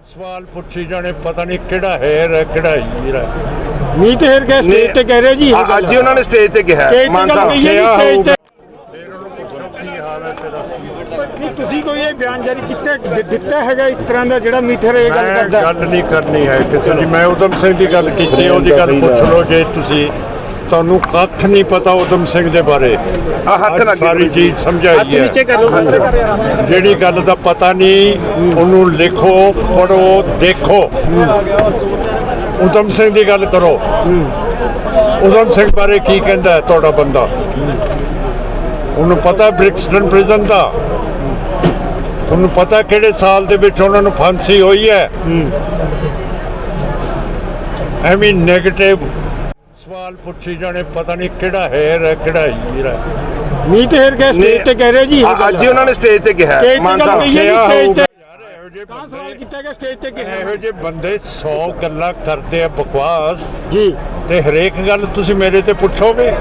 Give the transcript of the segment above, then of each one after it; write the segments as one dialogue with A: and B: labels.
A: सवाल पूछी जाने पता नहीं केड़ा हेर है केड़ा हीर है।
B: मीत हेर के स्टेज ते कह रहे जी
C: ਅੱਜ ਹੀ ਉਹਨਾਂ ਨੇ ਸਟੇਜ ਤੇ ਕਿਹਾ
B: स्टेज
C: ਮਾਨ
B: ते
C: ਸਾਹਿਬ
B: कही है जी, स्टेज ते
A: फिर उन्होंने पूछो की हाल है तेरा।
B: नहीं ਤੁਸੀਂ ਕੋਈ ਇਹ ਬਿਆਨ ਜਾਰੀ ਦਿੱਤਾ ਹੈਗਾ ਇਸ ਤਰ੍ਹਾਂ ਦਾ ਜਿਹੜਾ ਮੀਠਰ ਇਹ ਗੱਲ
A: मैं
B: ਕਰਦਾ
A: गल नहीं करनी है किसी की। मैं उधम सिंह की गल की ਉਹਦੀ ਗੱਲ ਪੁੱਛ ਲਓ ਜੇ ਤੁਸੀਂ। ਤੁਹਾਨੂੰ ਕੱਖ ਨਹੀਂ ਪਤਾ ਉਦਮ ਸਿੰਘ ਦੇ ਬਾਰੇ।
C: ਹੱਥ ਲੱਗ
A: ਸਾਰੀ ਚੀਜ਼ ਸਮਝਾਈ ਹੈ।
B: ਕਰ ਲਓ
A: ਜਿਹੜੀ ਗੱਲ ਦਾ ਪਤਾ ਨਹੀਂ ਉਹਨੂੰ ਲਿਖੋ ਪੜੋ ਦੇਖੋ। ਉਦਮ ਸਿੰਘ ਦੀ ਗੱਲ ਕਰੋ। ਉਦਮ ਸਿੰਘ ਬਾਰੇ ਕੀ ਕਹਿੰਦਾ ਹੈ ਤੁਹਾਡਾ ਬੰਦਾ? ਉਹਨੂੰ ਪਤਾ ਬ੍ਰਿਕਸਟਨ ਪ੍ਰਿਜ਼ਨ ਦਾ? ਤੁਹਾਨੂੰ ਪਤਾ ਕਿਹੜੇ ਸਾਲ ਦੇ ਵਿੱਚ ਉਹਨਾਂ ਨੂੰ ਫਾਂਸੀ ਹੋਈ ਹੈ? ਐਵੇਂ ਨੈਗੇਟਿਵ सवाल पूछी जाने पता नहीं केड़ा हेर है केड़ा हीर है।
B: मीत हेर के स्टेज ते कह रहे जी
C: ਅੱਜ ਹੀ ਉਹਨਾਂ ਨੇ ਸਟੇਜ ਤੇ ਕਿਹਾ ਮਾਨ ਸਾਹਿਬ
B: ਸਵਾਲ ਕੀਤਾ ਗਿਆ ਸਟੇਜ ਤੇ ਕਿਹਾ
A: ਇਹੋ ਜਿਹੇ ਬੰਦੇ 100 ਗੱਲਾਂ ਕਰਦੇ ਆ ਬਕਵਾਸ
B: ਜੀ
A: ਤੇ ਹਰੇਕ ਗੱਲ ਤੁਸੀਂ ਮੇਰੇ ਤੇ ਪੁੱਛੋਗੇ।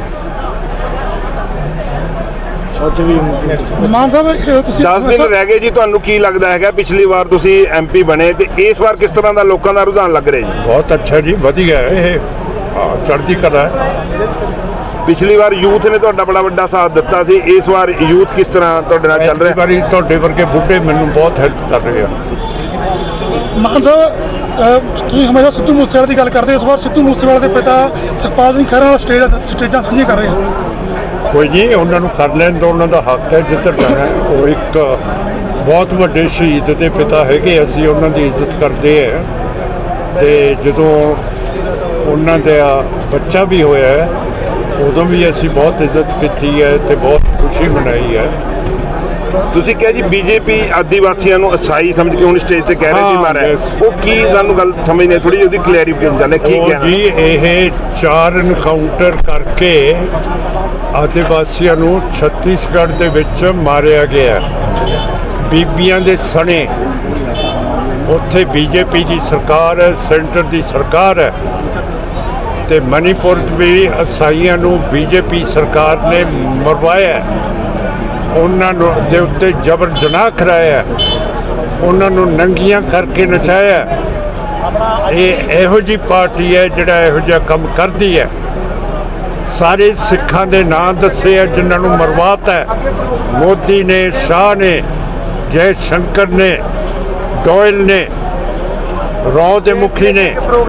B: ਮਾਨ ਸਾਹਿਬ ਤੁਸੀਂ
C: 10 ਦਿਨ ਰਹਿ ਗਏ ਜੀ, ਤੁਹਾਨੂੰ ਕੀ ਲੱਗਦਾ ਹੈਗਾ? ਪਿਛਲੀ ਵਾਰ ਤੁਸੀਂ ਐਮਪੀ ਬਣੇ ਤੇ ਇਸ ਵਾਰ ਕਿਸ ਤਰ੍ਹਾਂ ਦਾ ਲੋਕਾਂ ਦਾ ਰੁਝਾਨ ਲੱਗ ਰਿਹਾ ਜੀ?
A: ਬਹੁਤ ਅੱਛਾ ਜੀ, ਵਧੀਆ ਹੈ ਇਹ। ਚੜ੍ਹਦੀ ਕਲਾ ਹੈ।
C: ਪਿਛਲੀ ਵਾਰ ਯੂਥ ਨੇ ਤੁਹਾਡਾ ਬੜਾ ਵੱਡਾ ਸਾਥ ਦਿੱਤਾ ਸੀ, ਇਸ ਵਾਰ ਯੂਥ ਕਿਸ ਤਰ੍ਹਾਂ ਤੁਹਾਡੇ ਨਾਲ ਚੱਲ ਰਿਹਾ?
A: ਵਾਰੀ ਤੁਹਾਡੇ ਵਰਗੇ ਬੁੱਢੇ ਮੈਨੂੰ ਬਹੁਤ ਹੈਲਪ ਕਰ ਰਹੇ ਆ।
B: ਮਾਨ ਸਾਹਿਬ ਤੁਸੀਂ ਹਮੇਸ਼ਾ ਸਿੱਧੂ ਮੂਸੇਵਾਲੇ ਦੀ ਗੱਲ ਕਰਦੇ, ਇਸ ਵਾਰ ਸਿੱਧੂ ਮੂਸੇਵਾਲੇ ਦੇ ਪਿਤਾ ਸੁਖਪਾਲ ਸਿੰਘ ਖਹਿਰਾ ਨਾਲ ਸਟੇਜਾਂ ਸਾਂਝੀਆਂ ਕਰ ਰਹੇ ਹੋ।
A: ਕੋਈ ਨਹੀਂ, ਉਹਨਾਂ ਨੂੰ ਕਰ ਲੈਣ ਦਿਓ, ਉਹਨਾਂ ਦਾ ਹੱਕ ਹੈ ਜਿੱਧਰ ਜਾਣਾ। ਉਹ ਇੱਕ ਬਹੁਤ ਵੱਡੇ ਸ਼ਹੀਦ ਦੇ ਪਿਤਾ ਹੈਗੇ, ਅਸੀਂ ਉਹਨਾਂ ਦੀ ਇੱਜ਼ਤ ਕਰਦੇ ਹਾਂ। ਤੇ ਜਦੋਂ ਉਹਨਾਂ ਦਾ ਬੱਚਾ ਵੀ ਹੋਇਆ ਹੈ ਉਦੋਂ ਵੀ ਅਸੀਂ ਬਹੁਤ ਇੱਜ਼ਤ ਕੀਤੀ ਹੈ ਤੇ ਬਹੁਤ ਖੁਸ਼ੀ ਮਨਾਈ ਹੈ।
C: ਤੁਸੀਂ ਕਿਹਾ ਜੀ ਬੀਜੇਪੀ ਆਦੀਵਾਸੀਆਂ ਨੂੰ ਅਸਾਈ ਸਮਝ ਕੇ ਹੁਣ ਸਟੇਜ ਤੇ ਕਹਿ ਰਹੀ ਸੀ ਮਾਰਿਆ, ਉਹ ਕੀ ਸਾਨੂੰ ਗੱਲ ਸਮਝ ਨਹੀਂ ਥੋੜੀ ਉਹਦੀ ਕਲੈਰੀਫਿਕੇਸ਼ਨ ਚਾਹੁੰਦੇ ਕੀ ਕਹਿਣਾ
A: ਜੀ? ਇਹ 4 ਐਨਕਾਊਂਟਰ ਕਰਕੇ ਆਦੀਵਾਸੀਆਂ ਨੂੰ ਛੱਤੀਸਗੜ੍ਹ ਦੇ ਵਿੱਚ ਮਾਰਿਆ ਗਿਆ। ਬੀਬੀਆਂ ਦੇ ਸਣੇ ਉੱਥੇ ਬੀਜੇਪੀ ਦੀ ਸਰਕਾਰ ਹੈ, ਸੈਂਟਰ ਦੀ ਸਰਕਾਰ ਹੈ। ਤੇ ਮਨੀਪੁਰ ਵੀ ਅਸਾਈਆਂ ਨੂੰ ਬੀਜੇਪੀ ਸਰਕਾਰ ਨੇ ਮਰਵਾਇਆ, ਉਹਨਾਂ ਨੂੰ ਦੇ ਉੱਤੇ ਜ਼ਬਰ ਜਨਾਹ ਕਰਾਇਆ, ਉਹਨਾਂ ਨੂੰ ਨੰਗੀਆਂ ਕਰਕੇ ਨਚਾਇਆ। ਇਹ ਇਹੋ ਜਿਹੀ ਪਾਰਟੀ ਹੈ ਜਿਹੜਾ ਇਹੋ ਜਿਹਾ ਕੰਮ ਕਰਦੀ ਹੈ। ਸਾਰੇ ਸਿੱਖਾਂ ਦੇ ਨਾਂ ਦੱਸੇ ਆ ਜਿਨ੍ਹਾਂ ਨੂੰ ਮਰਵਾਤਾ। ਮੋਦੀ ਨੇ, ਸ਼ਾਹ ਨੇ, ਜੈ ਸ਼ੰਕਰ ਨੇ, ਡੋਇਲ ਨੇ, ਰੌ ਦੇ ਮੁਖੀ ਨੇ।